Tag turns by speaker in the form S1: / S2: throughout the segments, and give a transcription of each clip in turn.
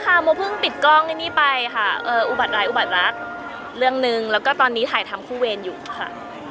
S1: ค่ะโมเพิ่งปิดกล้องไอ้นี่ไปค่ะอุบัติร้ายอุบัติรักเรื่องหนึ่งแล้วก็ตอนนี้ถ่ายทำคู่เวรอยู่ค่ะ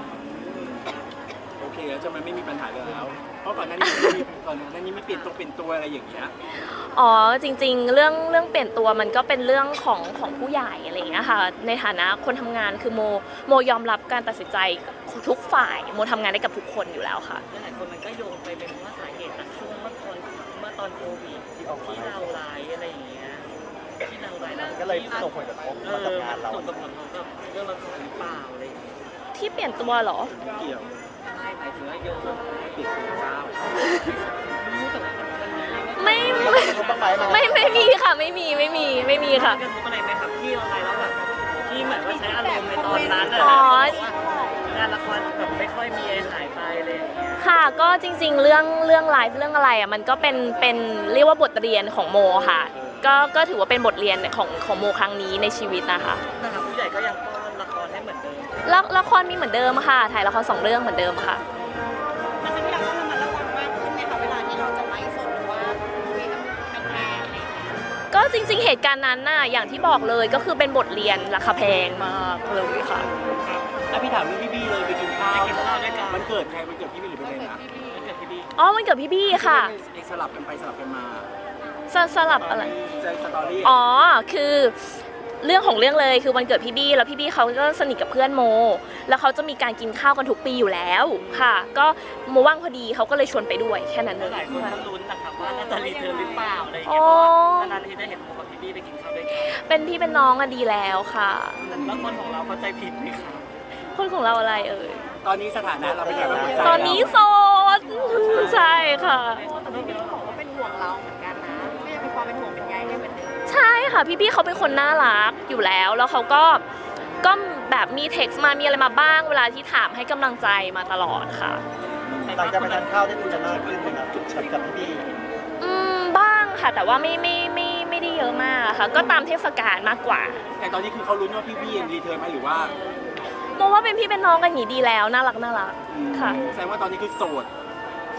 S2: โอเคแล้วจะมันไม่มีปัญหาเลยแล้วเพราะก่อนหน้านี้ไม่เปลี่ยนตัวอะไรอย่างเงี้ย
S1: อ๋อจริงๆเรื่องเปลี่ยนตัวมันก็เป็นเรื่องของผู้ใหญ่อะไรอย่างเงี้ยค่ะในฐานะคนทำงานคือโมยอมรับการตัดสินใจทุกฝ่ายโมทำงานได้กับทุกคนอยู่แล้วค่ะ
S3: หลายคนมันก็โยงไปเป็นว่าสาเหตุจากช่วงเมื่อตอนโควิดที่เราไลฟ์อะไรอย่างเงี้ยที่เราไลฟ์
S4: ก็เลยส่งผลกระทบมากับงานเรา
S3: ส่งผลกระทบกับเรื่องละครหรือเปล่าอะไรอย่างเงี้ย
S1: ที่เปลี่ยนตัวเหรอ
S2: เกี่ยว
S3: ไม่หมายถึงว่าโยง
S2: ปิดตัวเจ้า
S3: รู้แต่ว่ามันมี
S1: ไม่มีค่ะไม่มีค่ะ
S3: กระทบอะไรไหมครับที่เราไลฟ์แล้วแบบที่เหมือนว่าใช้อารมณ์ในตอนนั้นงานละครแบบไม่ค่อยมีหายไปเลย
S1: ค่ะก็จริงๆเรื่องไลฟ์เรื่องอะไรอ่ะมันก็เป็นเรียกว่าบทเรียนของโมค่ะก็ถือว่าเป็นบทเรียนของโมครั้งนี้ในชีวิตนะคะ
S3: นะครับผู้ใหญ่ก็ยังป้อนละครให้เหมือนเดิม
S1: ละครมีเหมือนเดิมค่ะถ่ายละคร2 เรื่องเหมือนเดิมค่ะ
S5: แต่ครั้งที่เราต้องระมัดระวังมากขึ้นไหมคะเวลาที่เราจะไลฟ์สดหรือว่าคุยกับแฟนๆอะไรอย่างเงี้ย
S1: ก็จริงๆเหตุการณ์นั้นน่ะอย่างที่บอกเลยก็คือเป็นบทเรียนราคาแพงมากเลยค่ะ
S2: พี่ถามเรื่องพี่บี้เลยไปกินข้าวด้วยกันมันเกิดใครมันเกิดพี่บี้หรือเป็นอะไรนะ
S3: มันเกิดพี่บี้
S1: อ๋อมันเกิดพี่บี้ค่ะ
S2: สลับกันไปสลับกันมา
S1: สลับอะไร
S2: สตอรี่
S1: อ๋อคือเรื่องของเรื่องเลยคือวันเกิดพี่บี้แล้วพี่บี้เขาก็สนิทกับเพื่อนโมแล้วเขาจะมีการกินข้าวกันทุกปีอยู่แล้วค่ะก็โมว่างพอดีเขาก็เลยชวนไปด้วยแค่นั้นเลย
S3: หลายคนก็ลุ้นนะครับว่าน่าจะรีเทิร์นหรือเปล่าอะไรอย่างเงี้ยเพราะนานๆทีได้เห็นโมกับพี่บี้ไปกินข้าวด้วยกัน
S1: เป็นพี่เป็นน้องอะดีแล้วค่ะ
S3: แล้วคนของเราเข้าใจผิดไหมคะ
S1: คนของเราอะไรเอ่ย
S2: ตอนนี้สถานะเราเป็นยังไง
S1: ตอนนี้โสดใช่ค่ะ
S5: แต่พี่บี้บอกว่าเป็นห่วงเราเหมือนกันนะก็ยังมีความเป็นห่วงเป็นใยให้เหมือนเดิม
S1: ใช่ค่ะพี่บี้เขาเป็นคนน่ารักอยู่แล้วแล้วเขาก็แบบมีเท็กซ์มามีอะไรมาบ้างเวลาที่ถามให้กำลังใจมาตลอดค่ะ
S4: หลังจากไปทานข้าวได้คุยกันมากขึ้นไหมครับกับพี่บี้
S1: บ้างค่ะแต่ว่าไม่ได้เยอะมากค่ะก็ตามเทศกาลมากกว่า
S2: แต่ตอนนี้คือเขาลุ้นว่าพี่บี้ยังรีเทิร์นไหมหรือว่า
S1: โมว่าเป็นพี่เป็นน้องกันอย่างนี้ดีแล้วน่ารักค่ะ
S2: แสดงว่าตอนนี้คือโสด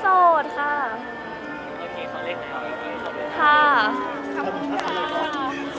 S1: ค่ะ
S3: โอเคเขาเล่นแล้ว
S1: ค่ะ